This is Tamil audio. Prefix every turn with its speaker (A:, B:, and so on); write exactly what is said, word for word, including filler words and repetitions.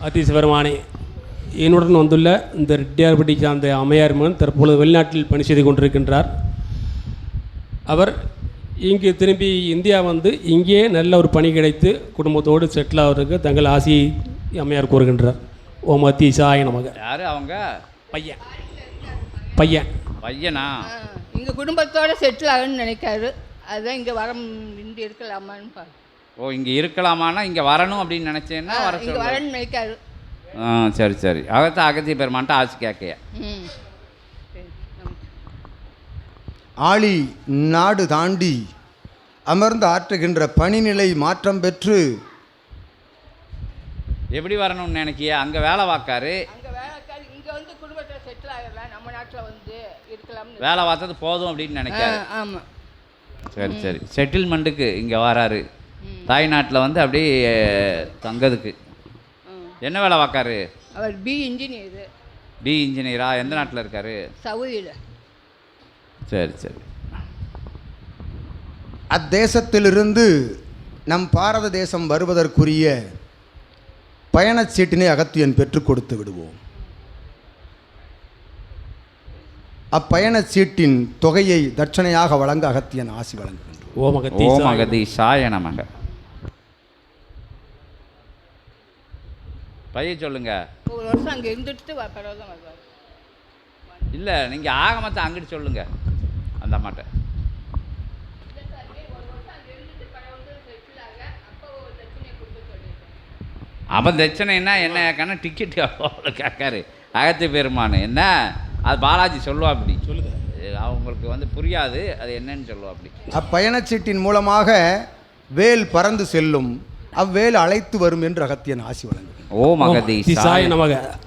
A: அதிசிவருமானே, என்னுடன் வந்துள்ள இந்த ரெட்டியார்பட்டி சார்ந்த அம்மையார் மகன் தற்பொழுது வெளிநாட்டில் பணி செய்து கொண்டிருக்கின்றார். அவர் இங்கு திரும்பி இந்தியா வந்து இங்கே நல்ல ஒரு பணி கிடைத்து குடும்பத்தோடு செட்டில் ஆகிறதுக்கு தங்கள் ஆசியை அம்மையார் கூறுகின்றார். ஓம் அதிசாய நமக.
B: யார் அவங்க?
A: பையன் பையன்
B: பையனா?
C: இங்கே குடும்பத்தோடு செட்டில் ஆகணும்னு நினைக்காரு. அதுதான் இங்கே வர இங்கே இருக்கலாமான்னு பாரு.
B: ஓ, இங்கே இருக்கலாமான்னா இங்கே வரணும் அப்படின்னு நினச்சேன்னா வர
C: இங்கே வரணும்னு நினைக்காரு.
B: ஆ சரி சரி. அகத்தான் அகத்திய பெருமான்ட்டு ஆசி கேட்கையா.
C: ம்
D: ஆளி நாடு தாண்டி அமர்ந்து ஆற்றுகின்ற பணிநிலை மாற்றம் பெற்று
B: எப்படி வரணும்னு நினைக்கியா? அங்கே வேலை பார்க்காரு.
C: அங்கே வேலைக்காரு இங்கே வந்து குடும்பத்தில் செட்டில் ஆகிடலாம், நம்ம நாட்டில் வந்து இருக்கலாம்னு
B: வேலை பார்த்தது போதும் அப்படின்னு நினைக்காரு.
C: ஆமாம்.
B: சரி சரி. செட்டில்மெண்ட்டுக்கு இங்கே வராரு. தாய்நாட்டில் வந்து அப்படியே தங்கதுக்கு. என்ன வேலை பார்க்காரு?
C: அவர் பி இன்ஜினியரு.
B: பி இன்ஜினியரா? எந்த நாட்டில் இருக்காரு?
C: சவுதியில்.
B: சரி சரி.
D: அத்தேசத்திலிருந்து நம் பாரத தேசம் வருவதற்குரிய பயணச்சீட்டினை அகத்தியன் பெற்றுக் கொடுத்து விடுவோம். அப்பயணச்சீட்டின் தொகையை தட்சணையாக வழங்க அகத்தியன் ஆசி வழங்குகின்றோம்.
B: ஓம் அகதீசாய நமக. பையன் சொல்லுங்க.
C: ஒரு வருஷம் அங்கே இருந்துட்டு பரவாயில்ல தான் வருவார்.
B: இல்லை, நீங்கள் ஆகமத்தை அங்கிட்டு சொல்லுங்க அந்த அம்மாட்ட. அவன் தட்சணைன்னா என்ன கேட்கானா டிக்கெட் அவ்வளோ கேட்காரு அகத்திய பெருமானு. என்ன அது பாலாஜி சொல்லுவா அப்படி சொல்லுங்க. அவங்களுக்கு வந்து புரியாது அது என்னன்னு சொல்லுவா அப்படி.
D: அப்பயணச்சீட்டின் மூலமாக வேல் பறந்து செல்லும், அவ்வேல் அழைத்து வரும் என்று அகத்தியன் ஆசி வழங்கும்.
B: ஓம் அகதீசாய
A: நமக.